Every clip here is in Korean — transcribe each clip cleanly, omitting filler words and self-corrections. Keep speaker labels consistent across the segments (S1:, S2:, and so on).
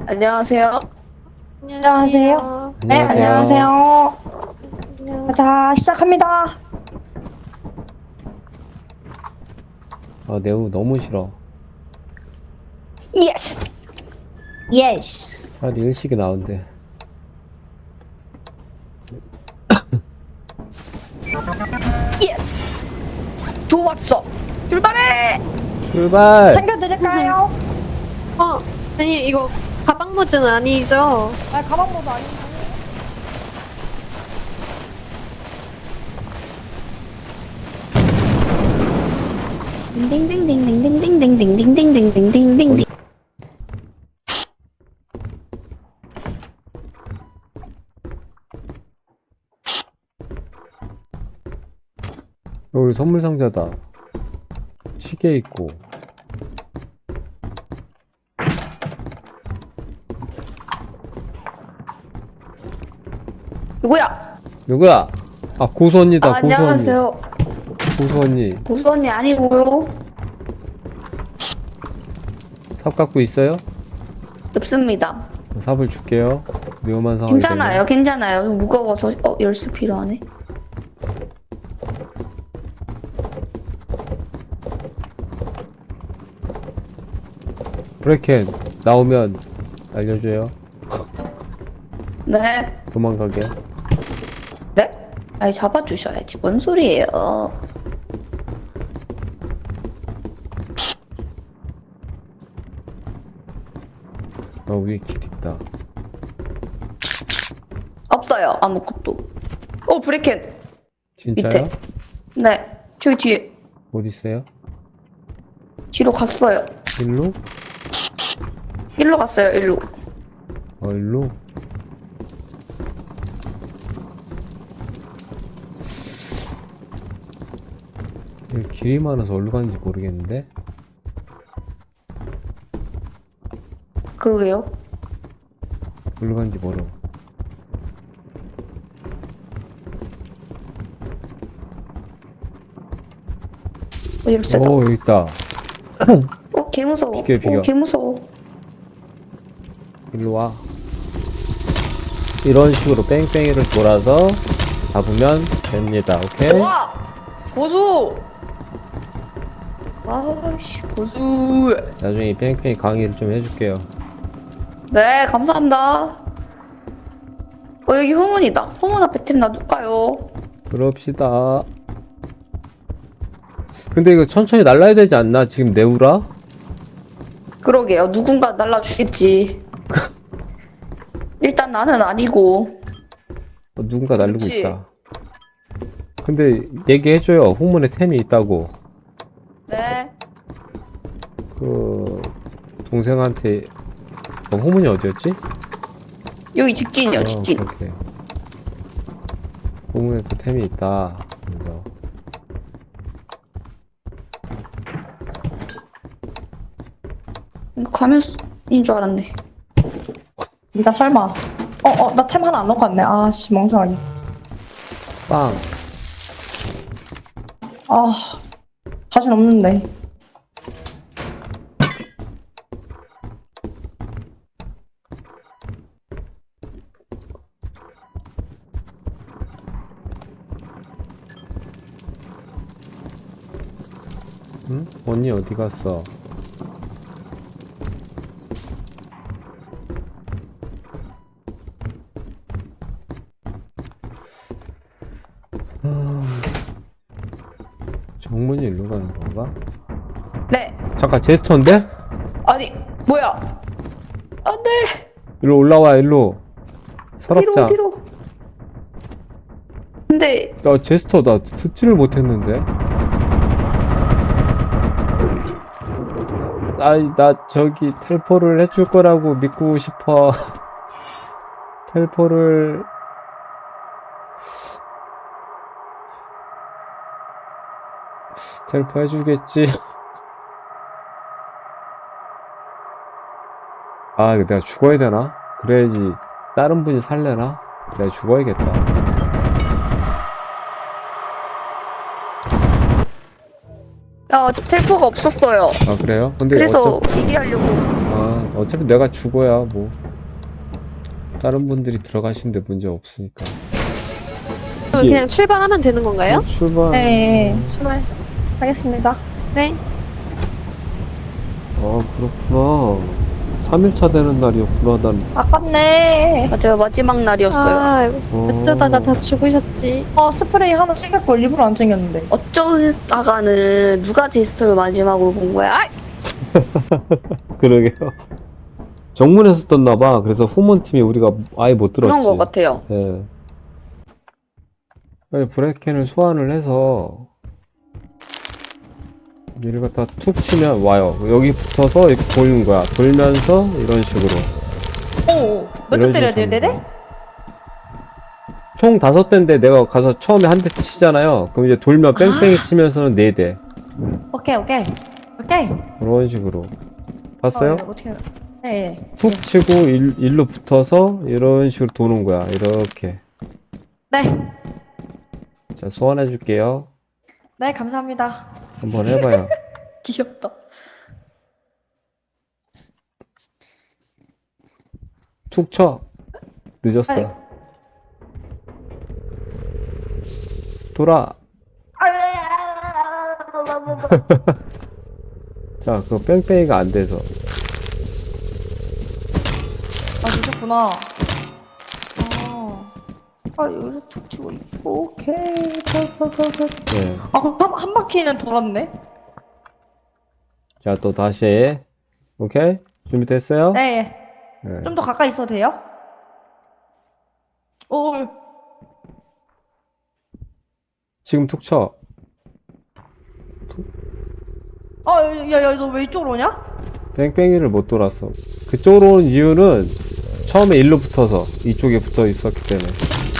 S1: 안녕하세요.
S2: 안녕하세요.
S1: 네, 안녕하세요.
S2: 자, 시작합니다.
S3: 아, 네오 너무 싫어.
S1: 예스.
S2: 예스.
S3: 차라리 일식이 나은데.
S2: 예스. 좋았어. 출발해.
S3: 출발!
S2: 챙겨드릴까요?
S4: 아니 이거 가방 모드는 아니죠?
S2: 아, 가방 모드 아닌데.
S1: 딩딩딩딩딩딩딩딩딩딩딩딩딩딩딩.
S3: 여기 선물 상자다. 시계 있고.
S1: 누구야?
S3: 누구야? 아, 고수 언니다, 고수 언니.
S1: 안녕하세요.
S3: 고수 언니.
S1: 고수 언니 아니고요.
S3: 삽 갖고 있어요?
S1: 없습니다.
S3: 삽을 줄게요. 위험한 상황이
S1: 괜찮아요, 괜찮아요. 무거워서 열쇠 필요하네.
S3: 되면. 브레켄 나오면 알려줘요.
S1: 네.
S3: 도망가게.
S1: 네? 아니 잡아주셔야지. 뭔 소리예요?
S3: 위에 길 있다.
S1: 없어요. 아무것도. 브레켄.
S3: 진짜요?
S1: 밑에. 네. 저기 뒤에.
S3: 어디 있어요?
S1: 뒤로 갔어요.
S3: 일로?
S1: 일로 갔어요. 일로.
S3: 일로? 여기 길이 많아서 어디로 가는지 모르겠는데?
S1: 그러게요.
S3: 어디로 가는지 모르.
S1: 열쇠다.
S3: 오, 여기 있다.
S1: 개 무서워.
S3: 비켜.
S1: 개 무서워.
S3: 일로 와. 이런 식으로 뺑뺑이를 돌아서 잡으면 됩니다. 오케이?
S1: 와! 고수! 아씨, 고수.
S3: 나중에 이 뺑뺑이 강의를 좀 해줄게요.
S1: 네, 감사합니다. 여기 후문이다. 후문 앞에 팀 놔둘까요?
S3: 그럽시다. 근데 이거 천천히 날라야 되지 않나? 지금 네우라?
S1: 그러게요. 누군가 날라주겠지. 일단 나는 아니고.
S3: 누군가 날리고
S1: 그치?
S3: 있다. 근데 얘기해줘요. 후문에 템이 있다고.
S1: 네.
S3: 그 동생한테 후문이 어디였지?
S1: 여기 직진이요, 직진.
S3: 그렇게. 후문에도 템이 있다. 그래서
S1: 이거 가면인 줄 알았네.
S2: 나 설마. 나 템 하나 안 넣고 왔네. 아씨, 멍청하게.
S3: 빵.
S2: 아, 자신 없는데.
S3: 응? 언니 어디 갔어? 정문이 일로 가는 건가?
S1: 네.
S3: 잠깐 제스처인데?
S1: 아니, 뭐야? 안 돼!
S3: 일로 올라와 일로. 서랍장.
S1: 어디로? 근데,
S3: 나 제스처 나 듣지를 못했는데. 아이 나 저기 텔포를 해줄 거라고 믿고 싶어. 텔포를 텔포 해주겠지. 아 이거 내가 죽어야 되나? 그래야지 다른 분이 살려나? 내가 죽어야겠다.
S1: 텔포가 없었어요.
S3: 아, 그래요? 근데
S1: 그래서 얘기하려고.
S3: 어차피 내가 죽어야 뭐 다른 분들이 들어가시는데 문제 없으니까.
S4: 그럼
S3: 예.
S4: 그냥 출발하면 되는 건가요?
S3: 출발.
S2: 네, 출발 하겠습니다.
S4: 네.
S3: 그렇구나. 3일차 되는 날이었구나, 난.
S2: 아깝네.
S1: 맞아요, 마지막 날이었어요.
S4: 아, 이거
S3: 어.
S4: 어쩌다가 다 죽으셨지.
S2: 스프레이 하나 챙길 걸 일부러 안 챙겼는데.
S1: 어쩌다가는 누가 제스처를 마지막으로 본 거야? 아!
S3: 그러게요. 정문에서 떴나봐. 그래서 후문팀이 우리가 아예 못 들었지.
S1: 그런 거 같아요.
S3: 예. 아니, 브레이켄을 소환을 해서 얘를 갖다 툭 치면 와요. 여기 붙어서 이렇게 돌는 거야. 돌면서 이런 식으로.
S2: 몇 대 때려야 돼요, 네네?
S3: 총 5대인데 내가 가서 처음에 한 대 치잖아요. 그럼 이제 돌면 뺑뺑이 치면서는 4대.
S2: 오케이.
S3: 그런 식으로. 봤어요?
S2: 어떻게? 네.
S3: 툭 치고 일로 붙어서 이런 식으로 도는 거야. 이렇게.
S2: 네.
S3: 자, 소환해 줄게요.
S2: 네, 감사합니다.
S3: 한번 해봐요.
S1: 귀엽다.
S3: 툭 쳐. 늦었어.
S2: 아이.
S3: 돌아. 자, 그거 뺑뺑이가 안 돼서.
S2: 늦었구나. 여기서 툭 치고 있고, 오케이.
S3: 네.
S2: 그럼 한 바퀴는 돌았네?
S3: 자, 또 다시. 오케이? 준비됐어요?
S2: 네.
S3: 네.
S2: 좀 더 가까이 있어도 돼요?
S3: 지금 툭 쳐.
S2: 야, 너 왜 이쪽으로 오냐?
S3: 뺑뺑이를 못 돌았어. 그쪽으로 온 이유는 처음에 일로 붙어서 이쪽에 붙어 있었기 때문에.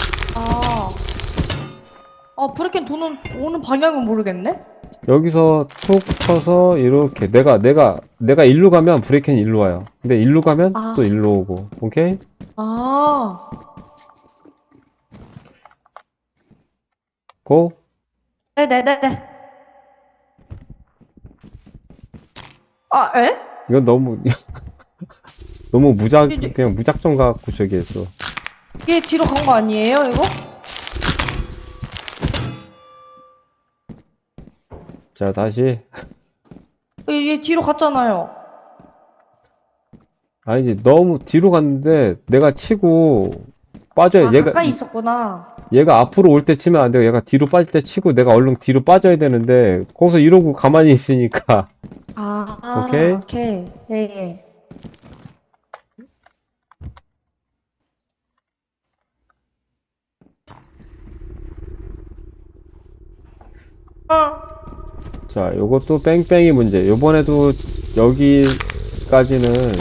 S2: 브레이크는 오는 방향은 모르겠네?
S3: 여기서 툭 쳐서 이렇게 내가 일로 가면 브레이크는 일로 와요. 근데 일로 가면 또 일로 오고. 오케이? 고?
S2: 네네네네. 에?
S3: 이건 너무 너무 그냥 무작정 갖고 저기 했어.
S2: 이게 뒤로 간 거 아니에요, 이거?
S3: 자, 다시.
S2: 얘 뒤로 갔잖아요.
S3: 아니지, 너무 뒤로 갔는데 내가 치고 빠져야
S2: 가까이 있었구나.
S3: 얘가 앞으로 올 때 치면 안 되고 얘가 뒤로 빠질 때 치고 내가 얼른 뒤로 빠져야 되는데 거기서 이러고 가만히 있으니까. 오케이?
S2: 오케이. 예.
S3: 자, 요것도 뺑뺑이 문제. 요번에도 여기까지는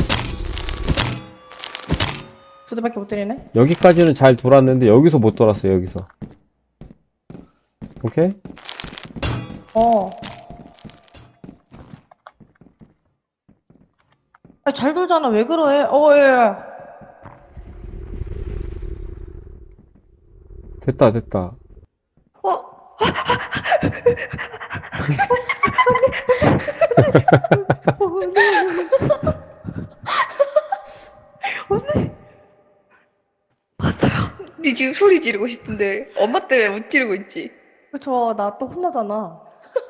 S2: 두 대밖에 못 때리네?
S3: 여기까지는 잘 돌았는데 여기서 못 돌았어요. 여기서. 오케이?
S2: 잘 돌잖아. 왜 그래? 예.
S3: 됐다.
S1: 니 지금 소리 지르고 싶은데 엄마 때문에 못 지르고 있지?
S2: 그쵸, 나 또 혼나잖아.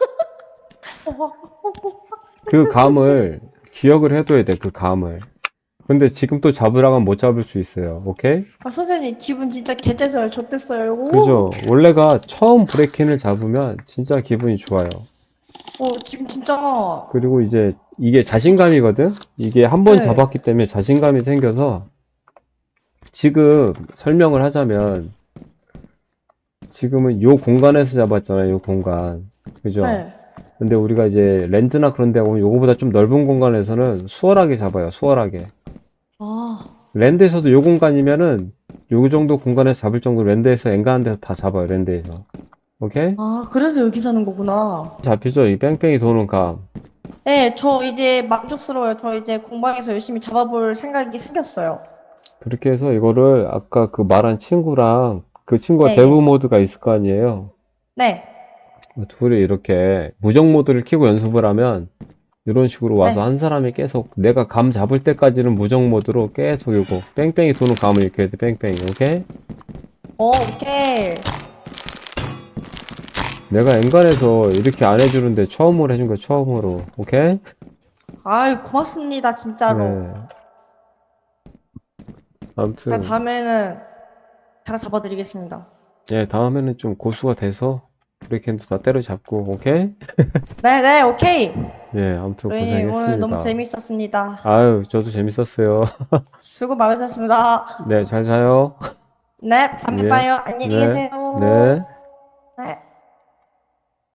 S3: 그 감을 기억을 해둬야 돼. 그 감을. 근데 지금 또 잡으라고 하면 못 잡을 수 있어요. 오케이?
S2: 선생님, 기분 진짜 개째서요. 좆됐어요.
S3: 그죠? 원래가 처음 브레이킹을 잡으면 진짜 기분이 좋아요.
S2: 지금 진짜.
S3: 그리고 이제 이게 자신감이거든? 이게 한 번
S2: 네.
S3: 잡았기 때문에 자신감이 생겨서 지금 설명을 하자면 지금은 요 공간에서 잡았잖아요. 요 공간. 그죠?
S2: 네.
S3: 근데 우리가 이제 랜드나 그런 데 보면 요거보다 좀 넓은 공간에서는 수월하게 잡아요. 수월하게. 랜드에서도 요 공간이면은 요 정도 공간에서 잡을 정도 랜드에서 엔간한 데서 다 잡아요. 랜드에서. 오케이?
S2: 그래서 여기 사는 거구나.
S3: 잡히죠? 이 뺑뺑이 도는 감.
S2: 네, 저 이제 만족스러워요. 저 이제 공방에서 열심히 잡아볼 생각이 생겼어요.
S3: 그렇게 해서 이거를 아까 그 말한 친구랑 그 친구가
S2: 네.
S3: 데브 모드가 있을 거 아니에요.
S2: 네.
S3: 둘이 이렇게 무적 모드를 켜고 연습을 하면 이런 식으로 와서
S2: 네.
S3: 한 사람이 계속 내가 감 잡을 때까지는 무적 모드로 계속 이거 뺑뺑이 도는 감을 익혀야 돼. 뺑뺑이. 오케이?
S2: 오케이.
S3: 내가 엔간해서 이렇게 안 해주는데 처음으로 해준 거야. 처음으로. 오케이?
S2: 아유, 고맙습니다, 진짜로.
S3: 네. 아무튼
S2: 제가 다음에는 제가 잡아드리겠습니다.
S3: 예, 다음에는 좀 고수가 돼서 브레이크핸드 다 때려잡고. 오케이?
S2: 네네, 오케이.
S3: 예, 아무튼
S2: 로이님, 오늘 너무
S3: 고생했습니다.
S2: 재밌었습니다.
S3: 아유, 저도 재밌었어요.
S2: 수고 많으셨습니다.
S3: 네, 잘 자요.
S2: 네, 다음에
S3: 예.
S2: 봐요. 안녕히
S3: 네.
S2: 계세요.
S3: 네.